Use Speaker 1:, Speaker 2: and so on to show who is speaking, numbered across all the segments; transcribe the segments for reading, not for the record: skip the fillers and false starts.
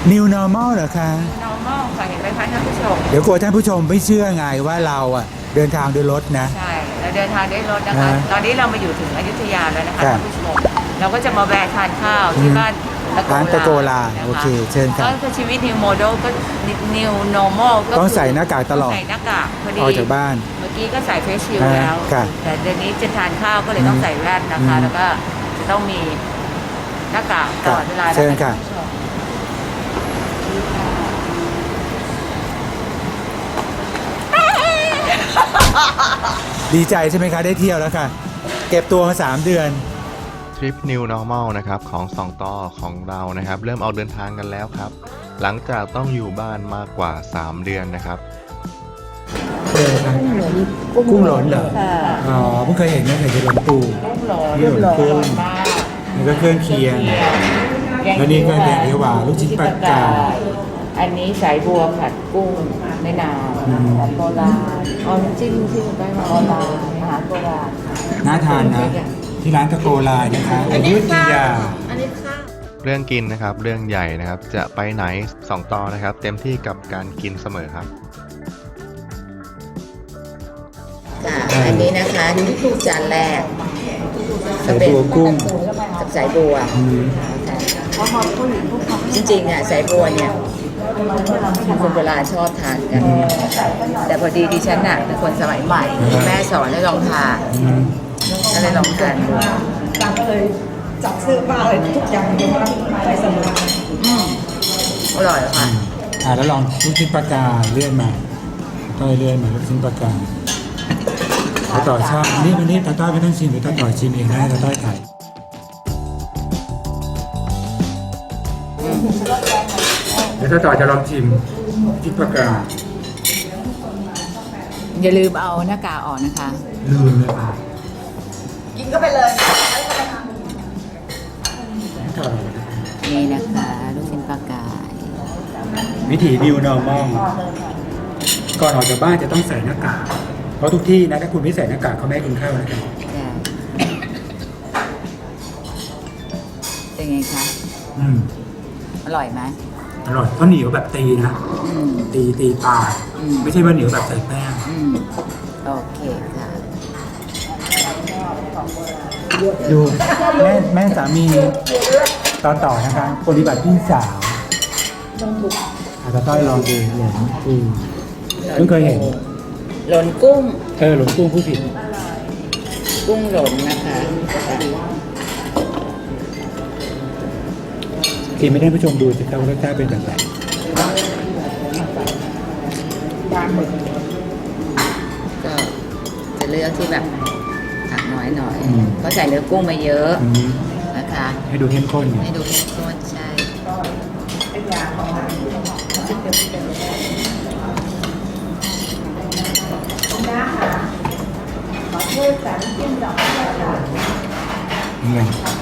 Speaker 1: New Normal เหรอคะ
Speaker 2: normal ค่ะเห็นไหมคะท่านผู้ชม
Speaker 1: เดี๋ยวกลัวท่านผู้ชมไม่เชื่อไงว่าเราอ่ะเดินทางด้วยรถนะ
Speaker 2: ใช่เราเดินทางด้วยรถนะคะ ตอนนี้เรามาอยู่ถึงอยุธยาแล้วนะคะ
Speaker 1: ครับ
Speaker 2: ท่านผู้ชมเราก็จะมาแวะทานข้าวที่บ้าน
Speaker 1: ร้านตะโกลา
Speaker 2: นะคะ
Speaker 1: โอเคเชิญครับ
Speaker 2: ก็ชีวิต new model ก็ new normal ก็
Speaker 1: ต้องใส่หน้ากากตลอด
Speaker 2: ใส่หน้ากากพอดี
Speaker 1: ออกจากบ้าน
Speaker 2: เมื่อกี้ก็ใส่เฟซชิลด์แล้ว
Speaker 1: ครับ
Speaker 2: แต่เดี๋ยวนี้จะทานข้าวก็เลยต้องใส่แว่นนะคะ แล้วก็จะต้องมีหน้ากากตลอดเวลา
Speaker 1: เชิญค่ะ
Speaker 2: ท่านผู้ชม
Speaker 1: ดีใจใช่ไหมคะได้เที่ยวแล้วค่ะ เก็บตัวมา3 เดือน
Speaker 3: ทริป New Normal นะครับของ2ต่อของเรานะครับเริ่มออกเดินทางกันแล้วครับ หลังจากต้องอยู่บ้านมากกว่า 3 เดือนนะครับ
Speaker 1: กุ้งหลนเหรอ
Speaker 2: ค่ะ
Speaker 1: อ๋อเพิ่งเคยเห็นนะเคยเห็นหลนปู
Speaker 2: กุ้งหลน
Speaker 1: นี่หลนกุ้ง
Speaker 2: มาก
Speaker 1: นี่ก็เครื่องเคียง แล้วนี่ก็แกงเขียวหวานลูกชิ้นปลากาย
Speaker 2: อันนี้สายบัวผัดกุ้งในน้ำแบบโบราณเอาจิ้มที่มันได้มาโบราณอาหารโบราณ
Speaker 1: น่าทานนะ ที่ร้านตะโกลานะคะอยุธยา
Speaker 2: อันนี้ข้าว
Speaker 3: เรื่องกินนะครับเรื่องใหญ่นะครับจะไปไหน2ต่อนะครับเต็มที่กับการกินเสมอครับ
Speaker 2: ค่ะอันนี้นะคะจานแรก
Speaker 1: สายบัวกุ้ง
Speaker 2: กับสายบัว
Speaker 1: อืม
Speaker 2: จริงๆอ่ะสายบัวเนี่ยคนโบราณชอบทานกัน แต่พอดีดิฉันน่ะเป็นคนสมัยใหม่แม่สอนให้ลองทาน
Speaker 1: อืม
Speaker 2: ก็เลยลองทานดู
Speaker 4: ตามก็เลยจับซื้อป้าเลยทุกอย่างเลยว่าไปเสมอ
Speaker 2: อร่อยค่ะ
Speaker 1: แล้วลองลูกชิ้นปลากายเลื่อนมาต้อยเลื่อนมาลูกชิ้นปลากายตาต่อชอบนี่วันนี้ตาต้อยไม่ต้องชิมหรือตาต่อยชิมเองได้ตาต้อยถ่ายเดี๋ยวตาต่อจะลองชิมชิ้นปลากาย
Speaker 2: อย่าลืมเอาหน้ากากออกนะคะ
Speaker 1: ลืมเลยค่ะ
Speaker 4: กินก็ไปเลย
Speaker 2: นี่นะคะลูกชิ้นปลากาย
Speaker 1: วิถี New Normal ก่อนออกจากบ้านจะต้องใส่หน้ากากเพราะทุกที่นะถ้าคุณไม่ใส่หน้ากากเขาไม่ให้คุณเข้านะครับ
Speaker 2: เป็นไงคะ
Speaker 1: อืม
Speaker 2: อร่อยไหม
Speaker 1: อร่อยเขาเหนียวแบบตีนะ
Speaker 2: อืม
Speaker 1: ตีปลา
Speaker 2: อืม
Speaker 1: ไม่ใช่ว่าเหนียวแบบใส่แป้ง
Speaker 2: อืมโอเคค่ะ
Speaker 1: ดูแม่สามีต่อนะคะปฏิบัติพี่สาวอาจจะต้อยลองดูหลงกุ้งเพิ่งเคยเห็น
Speaker 2: หลนกุ้ง
Speaker 1: หลงกุ้งผู้ผิด
Speaker 2: กุ้งหลนนะคะ
Speaker 1: กินไม่ได้ผู้ชมดูสิครับว่ารสชาติเป็นแบบไหน
Speaker 2: ก็จะเลือกที่แบบผักน้อยหน่อยเพราะใส่เนื้อกุ้งมาเยอะ
Speaker 1: อืม
Speaker 2: นะคะ
Speaker 1: ให้ดูเข้มข้นไง
Speaker 2: ให้ดูเข้มข้นใช่
Speaker 1: ยังไง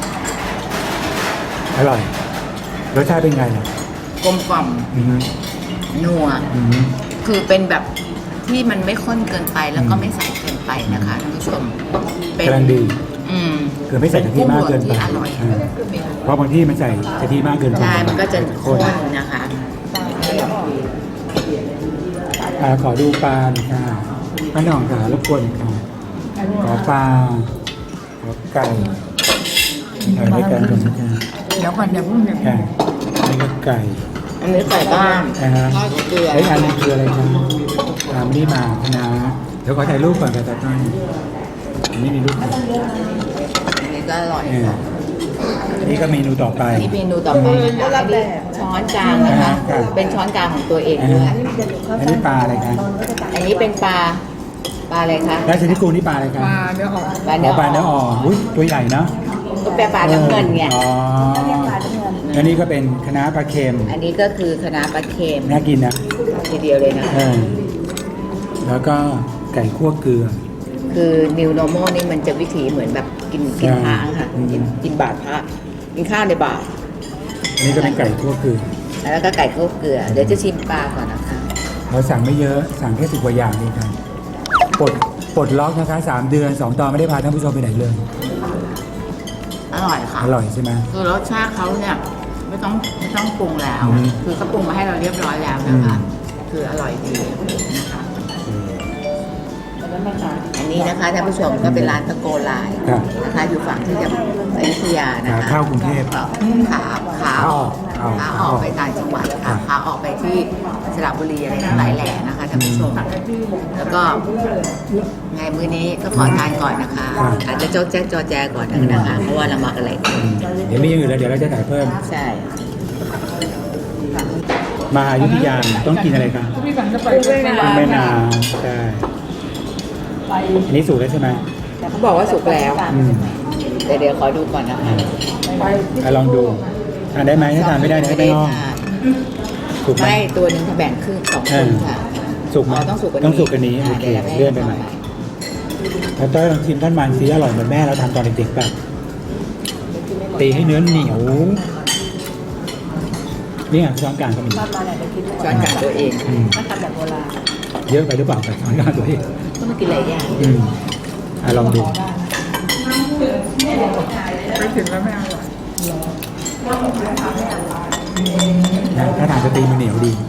Speaker 1: อร่อยรสชาติเป็นไงล่ะ
Speaker 2: กลมกล่อม
Speaker 1: อืม
Speaker 2: นัว
Speaker 1: อืม
Speaker 2: คือเป็นแบบที่มันไม่ข้นเกินไปแล้วก็ไม่ใสเกินไปนะคะท่านผู้ชมเป็น
Speaker 1: กำลังดี
Speaker 2: อืม
Speaker 1: คือไม่ใส่กะทิมากเกินไป
Speaker 2: ที่อร่อย
Speaker 1: เพราะบางที่มันใส่กะทิมากเกินไป
Speaker 2: ใช่มันก็จะ
Speaker 1: ข้
Speaker 2: ข้
Speaker 1: น
Speaker 2: นนะคะ
Speaker 1: ขอดูปลาหน่อยค่ะป้าหน่องค่ะรบกวนค่ะขอปลาขอไก่ถ่ายด้วยกันก่อนนะคะ
Speaker 2: เดี๋ยวก่อนเดี๋ยวพุ่ง
Speaker 1: ค่ะนี่ก็ไก่
Speaker 2: อันนี้ไก่บ้าน
Speaker 1: นะฮะ
Speaker 2: ทอดเกลือ
Speaker 1: ไอ้ยอันนี้คืออะไรครับตามนี่มาคณะเดี๋ยวขอถ่ายรูปก่อนกับตาต้อยอันนี้มีรูปไหม
Speaker 2: อันนี้ก็อร่อย
Speaker 1: อันนี้ก็เมนูต่อไป
Speaker 2: อันนี้เมนูต่อไปนะคะอันนี้ช้อนกลางนะคะ
Speaker 1: ครับ
Speaker 2: เป็นช้อนกลางของตัวเองด้วย
Speaker 1: อันนี้ปลาอะไรคะ
Speaker 2: อันนี้เป็นปลาอะไรคะ
Speaker 1: ราชนิกูนี่ปลาอะไรคะ
Speaker 4: เนื้อออก
Speaker 2: ปลา
Speaker 1: อ๋
Speaker 2: เนื้
Speaker 1: อ
Speaker 2: อ
Speaker 1: ปลาเนื้ออ่อนอุ้ยตัวใหญ่เนาะ
Speaker 2: ก็เป็นปลาน้ำเงินไง
Speaker 1: อ๋อแล้วนี่ก็เป็นคะน้าปลาเค็ม
Speaker 2: อันนี้ก็คือคะน้าปลาเค็ม
Speaker 1: น่ากินนะ
Speaker 2: ทีเดียวเลยนะ
Speaker 1: แล้วก็ไก่คั่วเกลือ
Speaker 2: คือ new normal นี่มันจะวิถีเหมือนแบบกินพระค่ะ
Speaker 1: อืม
Speaker 2: กินบาตรพระกินข้าวในบาตร
Speaker 1: อันนี้ก็เป็นไก่คั่วเกลือ
Speaker 2: แล้วก็ไก่ข้าวเกลือ เดี๋ยวจะชิมปลาก่อนนะคะ
Speaker 1: เราสั่งไม่เยอะสั่งแค่10 กว่าอย่างเองครับปลดล็อกนะคะ3 เดือน2 ตอนไม่ได้พาท่านผู้ชมไปไหนเลย
Speaker 2: อร่อยค่ะ
Speaker 1: อร่อยใช่ไหม
Speaker 2: คือรสชาติเขาเนี่ยไม่ต้องปรุงแล้ว
Speaker 1: อืม
Speaker 2: คือเขาปรุงมาให้เราเรียบร้อยแล้วนะคะ คืออร่อยดีนะคะอันนี้นะคะท่านผู้ชมก็เป็นร้านตะโกลาย
Speaker 1: ครับ
Speaker 2: นะคะอยู่ฝั่งที่จะอยุธยานะคะ
Speaker 1: เข้ากรุงเทพ
Speaker 2: ขาออกไปต่างจังหวัดค่ะขาออกไปที่สระบุรีอะไรทั้งหลายแหล่นะคะท่านผู้ชม แล้วก็ไงมื้อนี้ก็ขอทานก่อนนะคะ
Speaker 1: ครับ
Speaker 2: อาจจะโจ๊กแจ๊กจอแจก่อนนะคะเพราะว่าเรามากันหลายคน
Speaker 1: เดี๋ยวมีอย่างอื่นแล้วเดี๋ยวเราจะถ่ายเพิ่ม
Speaker 2: ใช่
Speaker 1: มาอยุธยาต้องกินอะไรกันแม่นาใช่อันนี้สูตรแล้วใช่ไหม
Speaker 2: เขาบอกว่าสุกแล้ว
Speaker 1: อืม
Speaker 2: แต่เดี๋ยวขอดูก่อนนะคะ
Speaker 1: ลองดูทานได้ไหมถ้าทานไม่ได้เดี๋ยวให้ไปห้อง
Speaker 2: ทาน
Speaker 1: ถูกไหม
Speaker 2: ไม่ตัวหนึ่งถ้าแบ่งครึ่งสองคนค่ะ
Speaker 1: สุกไหม
Speaker 2: อ๋อต้องสุกกว่านี้
Speaker 1: ต้องสุกกว่านี้โอเค
Speaker 2: ดี๋ยวรา
Speaker 1: เลื่อนไปใหม่แล้วต้อยลองชิมท่านมันซีอร่อยเหมือนแม่เราทำตอนเด็กๆป่ะตีให้เนื้อเหนียวนี่ไงช้อนกลางก็มี
Speaker 2: ช้อนกลางตัวเอง
Speaker 1: อืม
Speaker 4: ถ้าทำแบบโบราณ
Speaker 1: เยอะไปหรือเปล่ากับช้อนกลางตัวเอง
Speaker 2: ก็มากินหลายอย่าง
Speaker 1: อืมลองดู
Speaker 4: ไปถึงแล้วไม่เอาหรอก
Speaker 1: นะถ้าทานจะตีมันเหนียวดี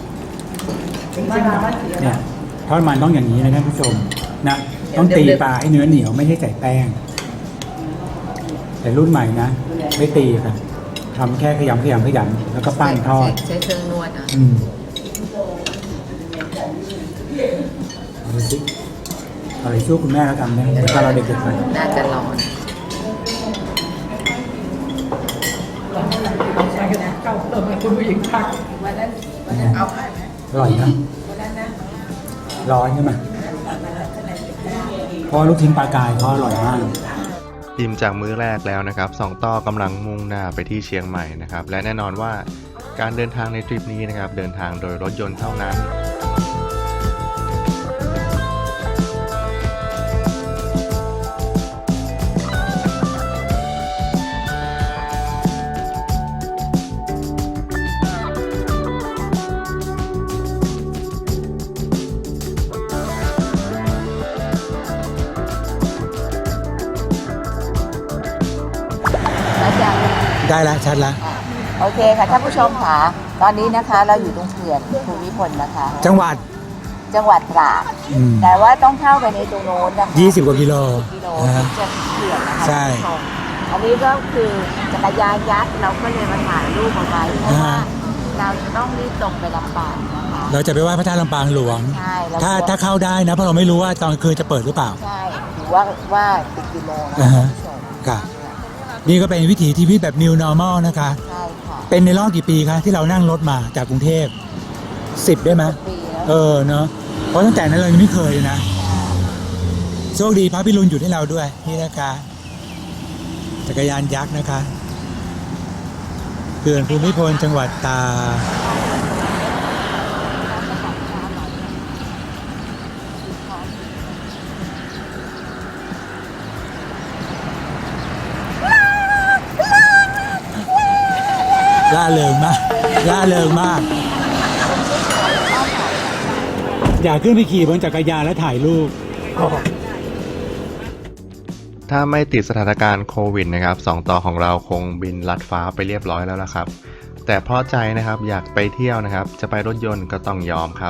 Speaker 1: เนี่ยทอดมันต้องอย่างนี้นะท่านผู้ชมนะต้องตีปลาให้เนื้อเหนียวไม่ใช่ใส่แป้ง แต่รุ่นใหม่นะไม่ตีค่ะทำแค่ขยำแล้วก็ปั้นทอด
Speaker 2: ใช้เครื่องนวดอ่ะ
Speaker 1: อืมเอาดูสิอะไรสู้คุณแม่แล้วทำเนี่ยตอนเราเด็กๆไป
Speaker 2: น่าจะร้อน
Speaker 4: ใช่นะเก้าเติมให้คุณผู้หญิงทักเอาให้ไหม
Speaker 1: อร่อยนะร้อนใช่ไหมเพราะลูกชิ้นปลากายเขาอร่อยมาก
Speaker 3: อิ่มจากมื้อแรกแล้วนะครับสองต่อกำลังมุ่งหน้าไปที่เชียงใหม่นะครับและแน่นอนว่าการเดินทางในทริปนี้นะครับเดินทางโดยรถยนต์เท่านั้น
Speaker 2: แล้วจะ
Speaker 1: ได้แล้วชัดแล้ว
Speaker 2: โอเคค่ะท่านผู้ชมค่ะตอนนี้นะคะเราอยู่ตรงเขื่อนภูมิพลนะคะ
Speaker 1: จังหวัด
Speaker 2: จังหวัดตราด
Speaker 1: อืม
Speaker 2: แต่ว่าต้องเข้าไปในตรงโน้นนะคะ
Speaker 1: 20 กว่ากิโล
Speaker 2: กิโล
Speaker 1: นะฮะ
Speaker 2: ถึงจะถึงเขื่อนนะคะ
Speaker 1: ใช่
Speaker 2: ท่านผู้ชมอันนี้ก็คือจักรยานยักษ์เราก็เลยมาถ่ายรูปเอาไว้เพราะว่าเราจะต้องรีบตรงไปลำปางนะคะ
Speaker 1: เราจะไปไหว้พระธาตุลำปางหลวง
Speaker 2: ใช่เรา
Speaker 1: ถ้าเข้าได้นะเพราะเราไม่รู้ว่าตอนกลางคืนจะเปิดหรือเปล่า
Speaker 2: ใช่ถือว่าติดกิโลนะ
Speaker 1: อ่า
Speaker 2: คะ
Speaker 1: ฮะ
Speaker 2: ท่านผู้ชม
Speaker 1: ค่ะนี่ก็เป็นวิถีชีวิตแบบ new normal นะคะ
Speaker 2: ใช่ค่ะ
Speaker 1: เป็นในรอบกี่ปีคะที่เรานั่งรถมาจากกรุงเทพ10 ได้ไหม
Speaker 2: ปีแล้ว
Speaker 1: เนาะเพราะตั้งแต่นั้นเรายังไม่เคยเลยนะโชคดีพระพิรุณหยุดให้เราด้วยนี่นะคะจักรยานยักษ์นะคะเขื่อนภูมิพลจังหวัดตาก ล่าเริงมากอยากขึ้นไปขี่บนจักรยานแล้วถ่ายรูป
Speaker 3: ถ้าไม่ติดสถานการณ์โควิดนะครับสองต่อของเราคงบินลัดฟ้าไปเรียบร้อยแล้วล่ะครับ แต่เพราะใจนะครับอยากไปเที่ยวนะครับ จะไปรถยนต์ก็ต้องยอมครับ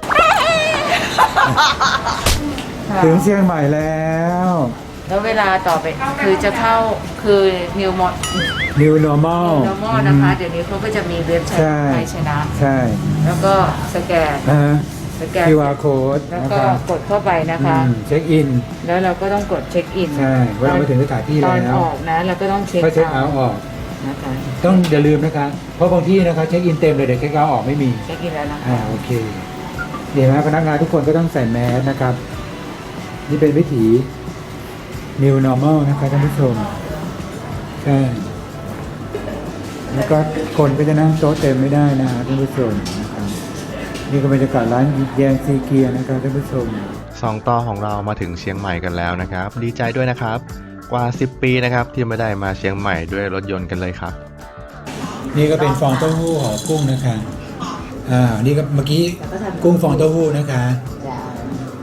Speaker 1: ถึงเชียงใหม่แล้ว
Speaker 2: แล้วเวลาต่อไปคือจะเข้าคือ New
Speaker 1: New Normal
Speaker 2: Normal นะคะ เดี๋ยวนี้เขาก็จะมีเว็บไซ
Speaker 1: ใช่
Speaker 2: ต์ไทยชนะ
Speaker 1: ใช่
Speaker 2: แล้วก็สแกน สแกน
Speaker 1: QR code
Speaker 2: แล้ว
Speaker 1: นะ
Speaker 2: ก็
Speaker 1: ครับ
Speaker 2: กดเข้าไปนะคะ
Speaker 1: เช็คอิน
Speaker 2: แล้วเราก็ต้องกดเช็คอิน
Speaker 1: ใช่เวลามาถึงสถานที่
Speaker 2: ตอน
Speaker 1: แล้ว
Speaker 2: ออกนะเราก็ต้องเช็ค
Speaker 1: ก็เช็คเอาท์ออก
Speaker 2: นะคะ
Speaker 1: ต้องอย่าลืมนะคะ เพราะบางที่นะคะเช็คอินเต็มเลยเดี๋ยวเช็คเอาท์ออกไม่มี
Speaker 2: เช็คอินแล้วนะคะ
Speaker 1: โอเคเดี๋ยวนะพนักงานทุกคนก็ต้องใส่แมสนะครับ นี่เป็นวิถี New Normal นะคะท่านผู้ชมใช่แล้วก็คนก็จะนั่งโต๊ะเต็มไม่ได้นะฮะท่านผู้ชมนะครับนี่ก็บรรยากาศร้านแยงซีเกียร์นะครับท่านผู้ชม
Speaker 3: สองต่อของเรามาถึงเชียงใหม่กันแล้วนะครับ ดีใจด้วยนะครับ กว่า 10 ปีนะครับที่ไม่ได้มาเชียงใหม่ด้วยรถยนต์กันเลยครับ
Speaker 1: นี่ก็เป็นฟองเต้าหู้ห่อกุ้งนะคะนี่ก็เมื่อกี้กุ้งฟองเต้าหู้นะคะ
Speaker 2: จ้ะ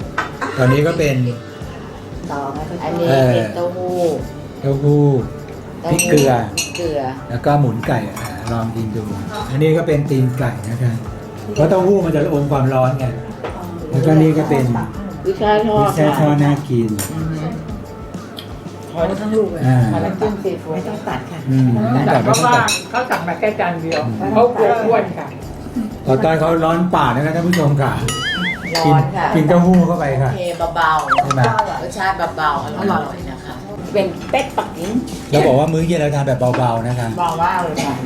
Speaker 1: ตอนนี้ก็เป็น
Speaker 2: ต่ออันนี้
Speaker 1: เออ
Speaker 2: เป็นเต้าหู้
Speaker 1: เต้าหู้พริกเกลือ
Speaker 2: เกลือ
Speaker 1: แล้วก็หมุนไก่ลองกินดู อันนี้ก็เป็นตีนไก่นะคะเพราะเต้าหู้มันจะอมความร้อนไงแล้วก็นี่ก็เป็น
Speaker 2: วิชาทอ
Speaker 1: วิ
Speaker 2: ด
Speaker 1: แซ่ทอดน่ากิน
Speaker 4: ขอทั้งลูกเลย
Speaker 1: อ่า
Speaker 2: น้ำจิ้มซีฟู้
Speaker 4: ไม่
Speaker 2: ด
Speaker 4: ต้องตัดค่ะ
Speaker 1: ไม่
Speaker 5: แต่
Speaker 1: ตัด
Speaker 5: เพ
Speaker 1: ไม่
Speaker 5: ราะ
Speaker 1: ต้อง
Speaker 5: ว่า
Speaker 1: ตัด
Speaker 5: เขาสั่งมาแค่จานเดียวเขากลัวอ้วนค่ะ
Speaker 1: ต่อต้อยเขาร้อนปากนะคะท่านผู้ชมค่ะ
Speaker 2: ร้
Speaker 1: กิ
Speaker 2: อนค่ะ
Speaker 1: กินเต้าหู้เข้าไปค่ะ
Speaker 2: เทเบา
Speaker 1: ใช่ไหม
Speaker 2: ๆรสชาติเบาๆอร่อยๆนะคะ เป็นเป็ดปักกิ่ง
Speaker 1: เราบอกว่ามื้อเย็นเราทานแบบเบาๆนะคะ
Speaker 2: เบามากเลยค่ะ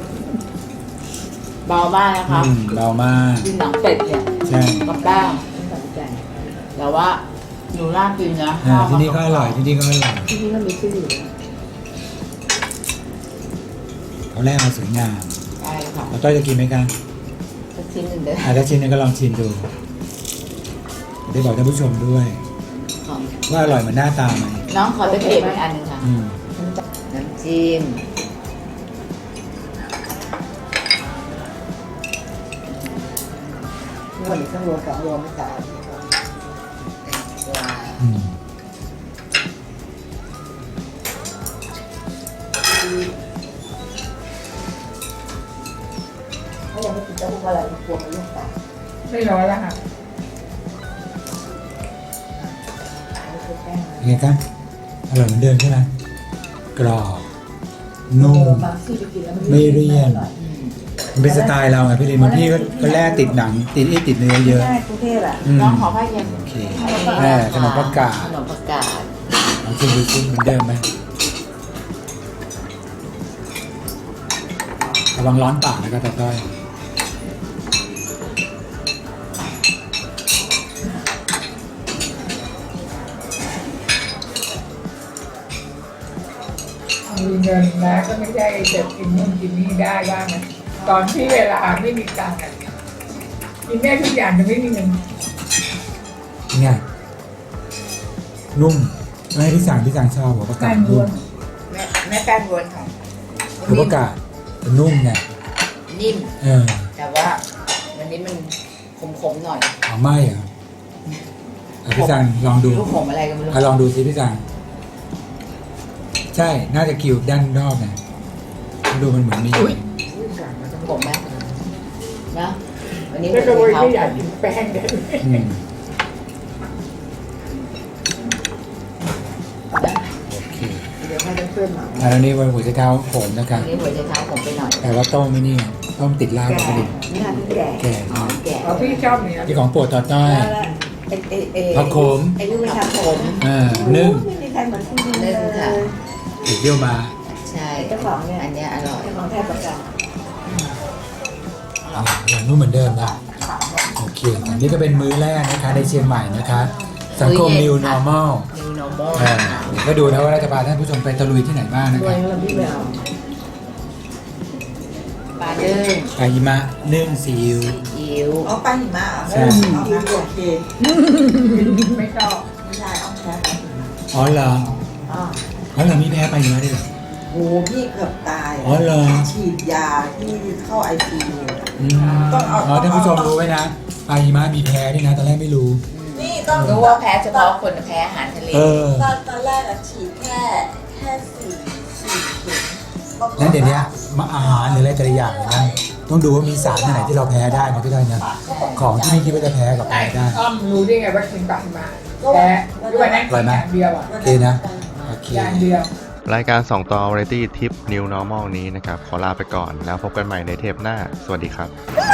Speaker 2: เบามากนะคะ
Speaker 1: เบามาก
Speaker 2: กินหนังเป็ดเนี่ย
Speaker 1: ใช่
Speaker 2: กับแป้งแต่ว่าหนูน่ากินนะ
Speaker 1: ที่นี่ก็อร่อยที่นี่ก็อร่อย
Speaker 2: ที่นี่ก็มีชื่ออยู่
Speaker 1: เขาแรกมาสวยงาม
Speaker 2: ใช่ค่ะ
Speaker 1: เราต้อยจะกินไหมคะ
Speaker 2: สักชิ้นหนึ่งเด้อ
Speaker 1: ถ้าชิมเนี่ยก็ลองชิมดูได้บอกท่านผู้ชมด้วย
Speaker 2: ของ
Speaker 1: ว่าอร่อยเหมือนหน้าตาไหม
Speaker 2: น้องขอตะเกียบอีกอันหนึ่งค่ะ
Speaker 1: อืม
Speaker 2: น้ำจิ้มวันนี้ต้องรวมกับรวมไม่จ่ายปลา
Speaker 1: อืม
Speaker 2: ถ้ายังไม่กินเต้าหู้อะไรกลัวมันลูกตา
Speaker 5: ไม่ร้อนแล้วค่ะ
Speaker 1: ยังไงครับอร่อยเหมือนเดิมใช่ไหมกรอบนุ่มไม่เลี่ยนมันเป็นสไตล์เราไงพี่ลินบางที่ก็แลกติดหนังติดติดเนื้อเยอะ
Speaker 4: ใช่กรุงเทพอ่ะ
Speaker 1: อืม
Speaker 2: น้องขอผ้าเย็น
Speaker 1: โอเคขนมปังกา
Speaker 2: ขนมปังกาด
Speaker 1: ลองชิมดูซิเหมือนเดิมไหมระวังร้อนปากนะครับตาต้อย
Speaker 5: มีเงินนะก็ไม่ได้จะกินนู่นกินนี่ได้บ้างนะตอนที่เวลาไม่มีตังค์อะกินได้ทุกอย่างแต่ไม่มีเงิน
Speaker 1: ไงนุ่มไม่ให้พี่สั่งชอบหัวประกา
Speaker 5: แป้
Speaker 1: ศ
Speaker 5: งล้
Speaker 1: นุ่
Speaker 5: ว
Speaker 1: ม
Speaker 5: น
Speaker 2: แม่แป้งรวนค่ะ
Speaker 1: หัวประกาศมันนุ่มไง
Speaker 2: นิ่ม
Speaker 1: เออ
Speaker 2: แต่ว่าวันนี้มันขมๆหน่อย
Speaker 1: เอาไม่เหรอเอาพี่สั่งลองดู
Speaker 2: ลูกขมอะไรก็ไม่รู้
Speaker 1: ลองดูสิพี่สั่งใช่น่าจะคิวด้านนอกไงดูมันเหมือนมี
Speaker 2: ขมไหมนะวันนี้
Speaker 5: แล้วก็
Speaker 2: หัว
Speaker 5: เลย
Speaker 2: ไช
Speaker 5: ไม่อ
Speaker 2: เท้าย
Speaker 5: ากกินแป้งเลย
Speaker 1: อืม
Speaker 2: นะ
Speaker 1: โอเค
Speaker 2: เดี๋ยวให้เพื่อนๆมา
Speaker 1: อันนี้วันหัวใจเท้าโขมนะครับ
Speaker 2: วันนี้หัวไชเท้าผมไปหน่อย
Speaker 1: แต่ว่าต้มไม่นี่ต้มติดลาบกับกระดิ่ง
Speaker 2: นี่ค่ะพี่แก่
Speaker 1: แก่
Speaker 2: อ๋อแก่
Speaker 5: เอาพี่ชอบเนี่ย
Speaker 1: ที่ของโปรดต่อต้อย ผักโขม
Speaker 2: ไอ้ลูกไม่ทำผม
Speaker 1: นึ่ง
Speaker 4: ไม่มีใครเหมือนคุณดิน
Speaker 2: นึ่ง
Speaker 4: เล
Speaker 2: ค่ะ
Speaker 4: ย
Speaker 1: ติดเยี่ยวมา
Speaker 2: ใช่
Speaker 4: เจ้าของเนี่ย
Speaker 2: อันเนี้ยอร่อย
Speaker 4: เจ้าของแทบประกัน
Speaker 1: อร่อยนุ่มเหมือนเดิมนะโอเคอันนี้ก็เป็นมื้อแรกนะคะในเชียงใหม่นะคะสังคม New Normal
Speaker 2: New Normal
Speaker 1: เดี๋ยวก็ดูนะว่าเราจะพาท่านผู้ชมไปตะลุยที่ไหนบ้างนะ
Speaker 2: ด้
Speaker 1: คว รั
Speaker 2: ย
Speaker 1: บ
Speaker 2: เรื่องที่ไม่เอาปลานึ่ง
Speaker 1: ปลาหิมะนึ่งซีอิ๊ว
Speaker 2: อิ๋ว
Speaker 4: เอาไปหิมะเหรอ
Speaker 1: ใช่
Speaker 4: เอางั้นโอเค
Speaker 5: ไม่ชอบ
Speaker 4: ไม่ได้เอาแค่
Speaker 1: อ๋อเหรอ
Speaker 4: อ๋อ
Speaker 1: อ๋อเหรอมีแพ้ปลาหิมะด้วยเหรอ
Speaker 4: โหพี่เกือบตาย
Speaker 1: อ๋อเหรอ
Speaker 4: ฉีดยาที่เข้าไอซียู
Speaker 1: อืมอ๋อท่านผู้ชมรู้ไว้นะปลาหิมะมีแพ้ด้วยนะตอนแรกไม่รู้
Speaker 4: นี่ต้อง
Speaker 2: รู้ว่าแพ้เฉพาะคนแพ้อาหารทะเล
Speaker 1: เออ
Speaker 4: ตอนแรกอะฉีดแค่สี่เข็ม
Speaker 1: นั้นเดี๋ยวนี้มาอาหารหรืออะไรแต่ละอย่างนะต้องดูว่ามีสารอันไหนที่เราแพ้ได้นะพี่ด้อยนะของที่ไม่คิดว่าจะแพ้กับแพ้ได้
Speaker 5: อ้อมรู้ได้ไงว่ากินปลาหิมะแต่ด้วยนั้น
Speaker 1: อร่อยไหม
Speaker 5: อย่างเดียวอ่ะ
Speaker 1: โอเคนะโอเค
Speaker 5: อย่างเดียว
Speaker 3: รายการ 2 ต่อ Variety Tip New Normal นี้นะครับ ขอลาไปก่อนแล้วพบกันใหม่ในเทปหน้า สวัสดีครับ